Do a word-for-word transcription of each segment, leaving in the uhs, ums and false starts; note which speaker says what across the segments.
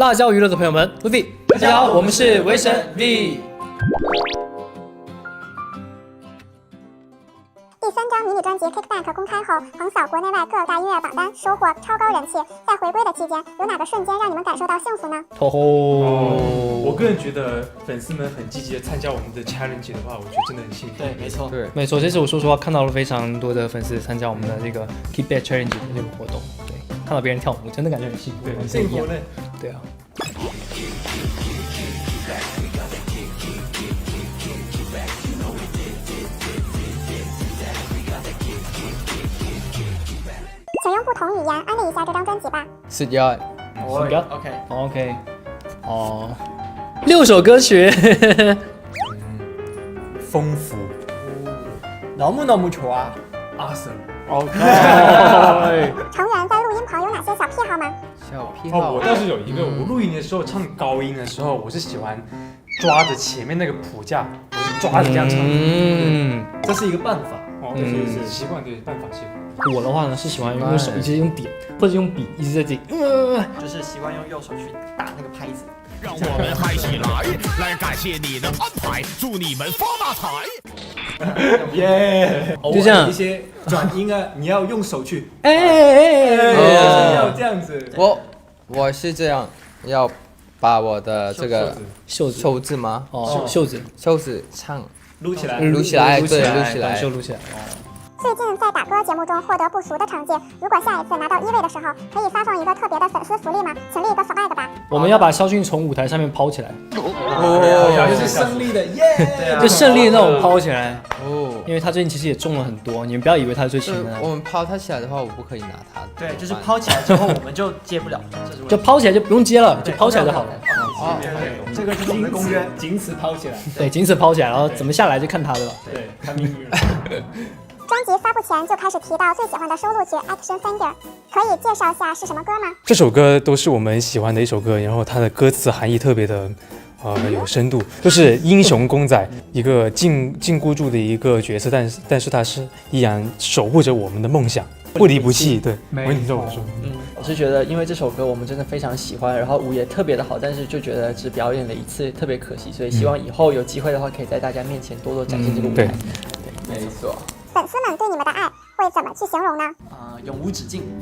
Speaker 1: 辣椒娱乐的朋友们 ，V， 大家好，我们是维神 V。
Speaker 2: 第三张迷你专辑《Kickback》公开后，横扫国内外各大音乐榜单，收获超高人气。在回归的期间，有哪个瞬间让你们感受到幸福呢？
Speaker 1: 吼吼、
Speaker 3: 哦！我个人觉得粉丝们很积极的参加我们的 challenge 的话，我觉得真的很幸福。
Speaker 1: 对，没错，
Speaker 4: 对，
Speaker 1: 没错。这次我说实话，看到了非常多的粉丝参加我们的这个 Kickback Challenge 的这个活动。对，看到别人跳舞，真的感觉很幸福，
Speaker 3: 对，
Speaker 1: 很
Speaker 3: 幸福呢。
Speaker 1: 对啊。
Speaker 2: 请用不同语言安利一下这张专辑吧。
Speaker 4: สุดยอด
Speaker 1: 什么
Speaker 5: ？OK
Speaker 1: OK， 哦，六首歌曲，
Speaker 3: 丰富
Speaker 5: 너무 너무 좋아.
Speaker 3: ，awesome。
Speaker 1: OK。
Speaker 2: 成员在录音棚有哪些小癖好吗？
Speaker 4: 小癖
Speaker 3: 哦，
Speaker 4: 好
Speaker 3: 我倒是有一个，我录音的时候唱高音的时候，我是喜欢抓着前面那个谱架，我是抓着这样唱。
Speaker 1: 嗯，
Speaker 5: 这是一个办法。
Speaker 3: 哦，
Speaker 1: 嗯
Speaker 3: 是是习惯，对，办法习惯。
Speaker 1: 我的话呢是喜欢用手一直用点，或者用笔一直在这里，呃，
Speaker 5: 就是习惯用右手去打那个拍子。
Speaker 6: 让我们嗨起来，来感谢你的安排，祝你们发大财。
Speaker 5: 耶！
Speaker 1: 就这样
Speaker 5: 一些转音啊，你要用手去，
Speaker 1: 哎哎哎哎，
Speaker 5: 就是要这样子。
Speaker 4: 我我是这样，要把我的这个
Speaker 1: 袖子
Speaker 4: 袖子吗？
Speaker 1: 哦，袖子
Speaker 4: 袖子唱
Speaker 5: 撸起来。
Speaker 4: 撸起来，对，
Speaker 1: 撸起来，
Speaker 4: 撸起来
Speaker 1: 短袖。撸起来。
Speaker 2: 最近在打歌节目中获得不俗的成绩，如果下一次拿到一位的时候，可以发放一个特别的粉丝福利吗？请立一个 flag 吧。
Speaker 1: 我们要把肖俊从舞台上面抛起来，
Speaker 4: 哦
Speaker 5: 就是胜利的耶！对啊
Speaker 1: 就胜利的那种抛起来，
Speaker 4: 哦，
Speaker 1: 因为他最近其实也中了很多，你们不要以为他是最勤的，
Speaker 4: 我们抛它起来的话，我不可以拿它。
Speaker 5: 对，就是抛起来之后我们就接不了，这是为
Speaker 1: 就抛起来就不用接了，就抛起来就好了。
Speaker 4: 哦，
Speaker 5: 对，这个就是我们的公约，仅此抛起来。
Speaker 1: 对，仅此抛起来，然后怎么下来就看他的了。
Speaker 5: 对，看命运。
Speaker 2: 专辑发布前就开始提到最喜欢的收录曲《Action Finger》，可以介绍下是什么歌吗？
Speaker 3: 这首歌都是我们喜欢的一首歌，然后它的歌词含义特别的，呃，有深度，就是英雄公仔，一个禁禁锢住的一个角色，但是但是他是依然守护着我们的梦想，不离不弃。对，我你这么说。
Speaker 7: 嗯，我是觉得，因为这首歌我们真的非常喜欢，然后舞也特别的好，但是就觉得只表演了一次，特别可惜，所以希望以后有机会的话，可以在大家面前多多展现这个舞台。
Speaker 4: 没错。
Speaker 2: 粉丝们对你们的爱会怎么去形容呢？
Speaker 7: 啊、永无止境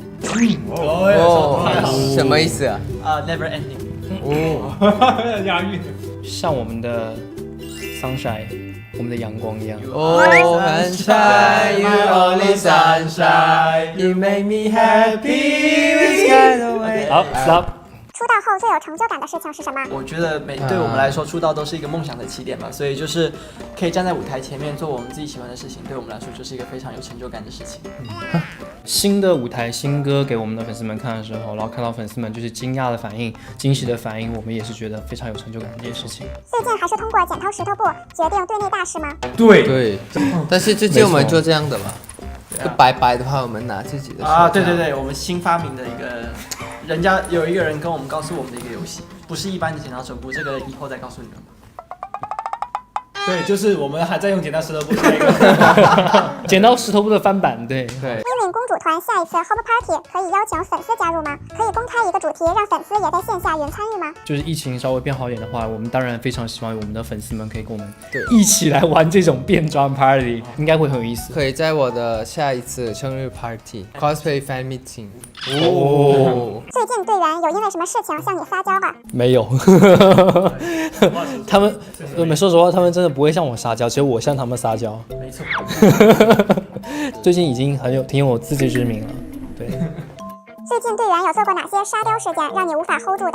Speaker 4: 哦，什么意思啊？
Speaker 7: 啊、n e v e r ending。
Speaker 4: 哦，
Speaker 3: 押韵。
Speaker 1: 像我们的 sunshine，我们的阳光一样。
Speaker 4: 哦，sunshine, you only sunshine, you make me happy with kind of way。
Speaker 1: 好 ，stop。
Speaker 2: 出道后最有成就感的事情是什么？
Speaker 7: 我觉得每对我们来说，出道都是一个梦想的起点嘛，所以就是可以站在舞台前面做我们自己喜欢的事情，对我们来说就是一个非常有成就感的事情。
Speaker 1: 新的舞台新歌给我们的粉丝们看的时候，然后看到粉丝们就是惊讶的反应、惊喜的反应，我们也是觉得非常有成就感的一件事情。
Speaker 2: 最近还是通过剪刀石头布决定队内大事吗？
Speaker 3: 对
Speaker 4: 对，但是最近我们做这样的嘛，就白白的话，我们拿自己的
Speaker 7: 啊，对对对，我们新发明的一个，人家有一个人跟我们告诉我们的一个游戏，不是一般的剪刀手布，这个以后再告诉你们吧。
Speaker 5: 对，就是我们还在用剪刀石头布那个。
Speaker 1: 剪刀石头布的翻版，对
Speaker 4: 对。
Speaker 2: 英敏公主团下一次 Home Party 可以邀请粉丝加入吗？可以公开一个主题，让粉丝也在线下云参与吗？
Speaker 1: 就是疫情稍微变好一点的话，我们当然非常希望我们的粉丝们可以跟我们
Speaker 4: 对
Speaker 1: 一起来玩这种变装 party， 应该会很有意思。
Speaker 4: 可以在我的下一次生日 party cosplay fan meeting。
Speaker 1: 哦，
Speaker 2: 最近队员有因为什么事情向你撒娇吧？
Speaker 1: 没有，他们，我们说实话，他们真的不会向我撒娇，只有我向他们撒娇。
Speaker 7: 没错。
Speaker 1: 最近已经很有挺有自知之明了，对。
Speaker 2: 最近队员有做过哪些沙雕事件让你无法 hold 住的？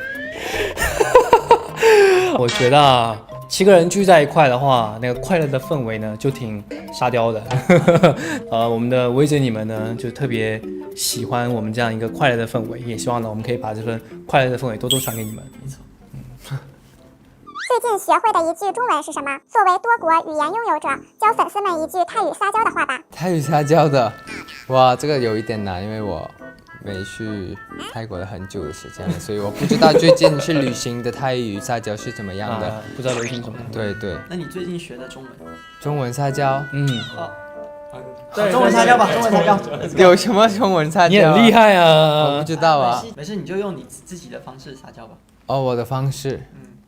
Speaker 1: 我觉得啊，七个人聚在一块的话，那个快乐的氛围呢，就挺沙雕的。呃，我们的维姐你们呢，就特别喜欢我们这样一个快乐的氛围，也希望呢，我们可以把这份快乐的氛围多多传给你们。没错。
Speaker 2: 最近学会的一句中文是什么？作为多国语言拥有者，教粉丝们一句泰语撒娇的话吧。
Speaker 4: 泰语撒娇的，哇，这个有一点难，因为我没去泰国了很久的时间了，所以我不知道最近去旅行的泰语撒娇是怎么样的。
Speaker 1: 啊、不知道流行什么？
Speaker 4: 对对。
Speaker 7: 那你最近学的中文？
Speaker 4: 中文撒娇，
Speaker 1: 嗯，
Speaker 7: 哦， 对，中文擦胶吧，中文擦胶。
Speaker 4: 有什么中文擦胶？
Speaker 1: 你很厉害
Speaker 4: 我
Speaker 1: 啊
Speaker 4: 不！知道啊。
Speaker 7: 没事，你就用你自己的方式撒娇吧。
Speaker 4: 哦，我的方式。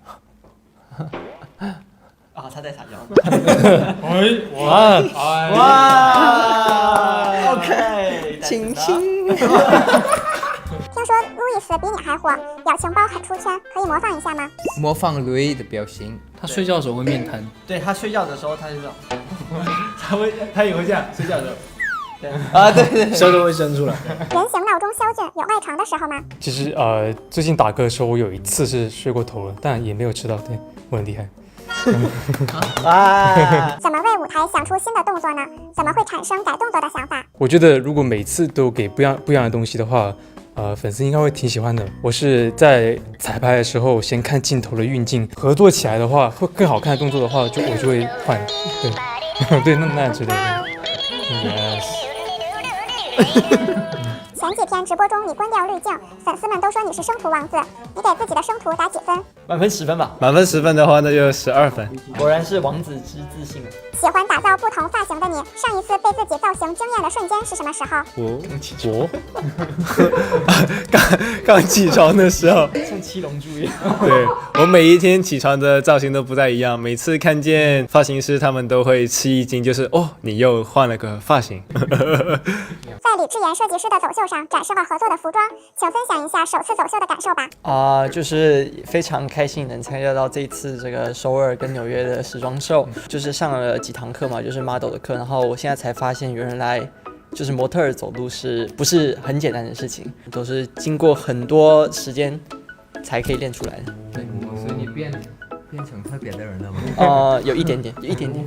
Speaker 7: 啊，他在撒娇。
Speaker 1: 哇
Speaker 7: 哇 ，OK，
Speaker 4: 亲亲。
Speaker 2: 听说路易斯比你还火，表情包很出圈，可以模仿一下吗？
Speaker 4: 模仿 Louis 的表情。
Speaker 1: 他睡觉的时候会面瘫。
Speaker 7: 对他睡觉的时候，他就这样。
Speaker 5: 他会，他也会这样睡觉的时候。
Speaker 4: 啊，对对对。
Speaker 1: 舌头会伸出来。
Speaker 2: 人形闹钟肖俊有赖床的时候吗？
Speaker 3: 其实呃，最近打歌的时候，我有一次是睡过头了，但也没有吃到，对我很厉害。
Speaker 7: 啊，
Speaker 2: 怎么为舞台想出新的动作呢？怎么会产生改动作的想法？
Speaker 3: 我觉得如果每次都给不一样不一样的东西的话，呃，粉丝应该会挺喜欢的。我是在彩排的时候先看镜头的运镜，合作起来的话，会更好看的动作的话，就我就会换，对，对，那那样之类的。Yes。
Speaker 2: 前几天直播中你关掉滤镜，粉丝们都说你是生图王子，你给自己的生图打几分？
Speaker 7: 满分十分吧。
Speaker 5: 满分十分的话，那就十二分。
Speaker 7: 果然是王子之自信。
Speaker 2: 喜欢打造不同发型的你，上一次被自己造型惊艳的瞬间是什么时候？
Speaker 3: 我我
Speaker 5: 刚刚起床的时候，
Speaker 7: 像七龙珠一样。
Speaker 5: 对我每一天起床的造型都不太一样，每次看见发型师，他们都会吃一惊，就是哦，你又换了个发型。
Speaker 2: 在李智妍设计师的走秀上展示了合作的服装，请分享一下首次走秀的感受吧。
Speaker 7: 啊、就是非常开心能参加到这一次这个首尔跟纽约的时装秀，就是上了几堂课嘛，就是 model 的课，然后我现在才发现原来就是模特儿走路是不是很简单的事情，都是经过很多时间才可以练出来的。对，
Speaker 4: 所以你变变成特别的人了吗？
Speaker 7: 呃，有一点点，有一点点。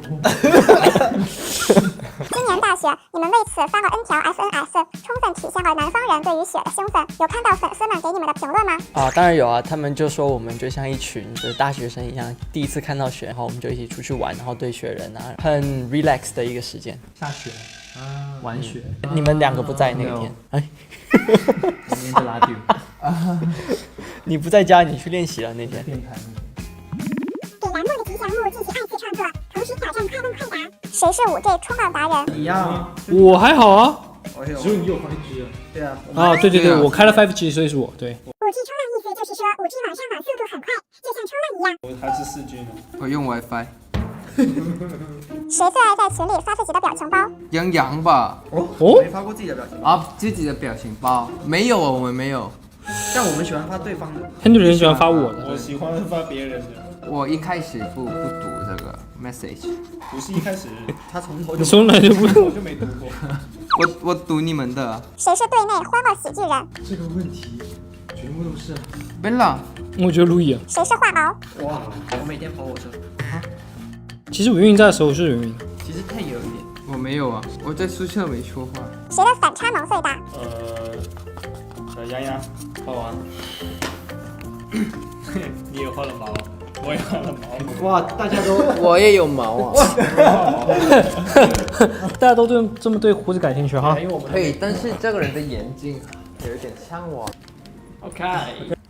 Speaker 2: 今年大雪，你们为此发了 N 条 S N S， 充分体现了南方人对于雪的兴奋。有看到粉丝们给你们的评论吗？
Speaker 7: 啊，当然有啊，他们就说我们就像一群就是大学生一样，第一次看到雪，然后我们就一起出去玩，然后堆雪人啊，很 relax 的一个时间。
Speaker 1: 下雪，玩雪，
Speaker 7: 你们两个不在那个天，哎，
Speaker 1: 明天就拉丢。
Speaker 7: 你不在家，你去练习了那天。
Speaker 1: 电台
Speaker 2: 给栏目的吉祥物进行二次创作，同时挑战快问快答。谁是五 G 冲浪达人？
Speaker 7: 一样，
Speaker 1: 我还好啊。
Speaker 5: 只有你有 five G 啊。
Speaker 7: 对啊，
Speaker 1: 啊，对对对，
Speaker 4: 对啊
Speaker 1: 我开了 five G， 所以是我对。
Speaker 2: 五 G 冲浪意思就是说五 G 网上网速度很快，就像冲浪一样。
Speaker 5: 我还是四 G 呢。
Speaker 4: 我用 WiFi。
Speaker 2: 谁最爱在群里发自己的表情包？
Speaker 4: 杨洋吧？
Speaker 1: 哦，
Speaker 7: 没发过自己的表情包，
Speaker 4: 啊，自己的表情包没有啊，我们没有。
Speaker 7: 像我们喜欢发对方的。
Speaker 1: 很多人喜欢发我的。
Speaker 5: 我喜欢发别人的，
Speaker 4: 我一开始不不读这个 message，
Speaker 5: 不是一开始
Speaker 7: 他从头就
Speaker 1: 你从来就不
Speaker 5: 我就没读过。
Speaker 4: 我我读你们的。
Speaker 2: 谁是队内欢乐喜剧人？
Speaker 5: 这个问题全部都是。
Speaker 4: Bella，
Speaker 1: 我觉得路易啊，
Speaker 2: 谁是话痨？
Speaker 7: 哇，我每天跑火车。
Speaker 1: 其实云云在的时候是云云，
Speaker 7: 其实 Ten 也有一点。
Speaker 4: 我没有啊，我在宿舍没说话。
Speaker 2: 谁的反差萌最大？
Speaker 5: 呃，小杨洋，画完。你也换了毛，我也换了毛。
Speaker 7: 哇，大家都
Speaker 4: 我也有毛啊。
Speaker 1: 大家都对这么对胡子感兴趣哈。
Speaker 7: 因为我们
Speaker 4: 可以，但是这个人的眼睛有一点像我。
Speaker 7: OK。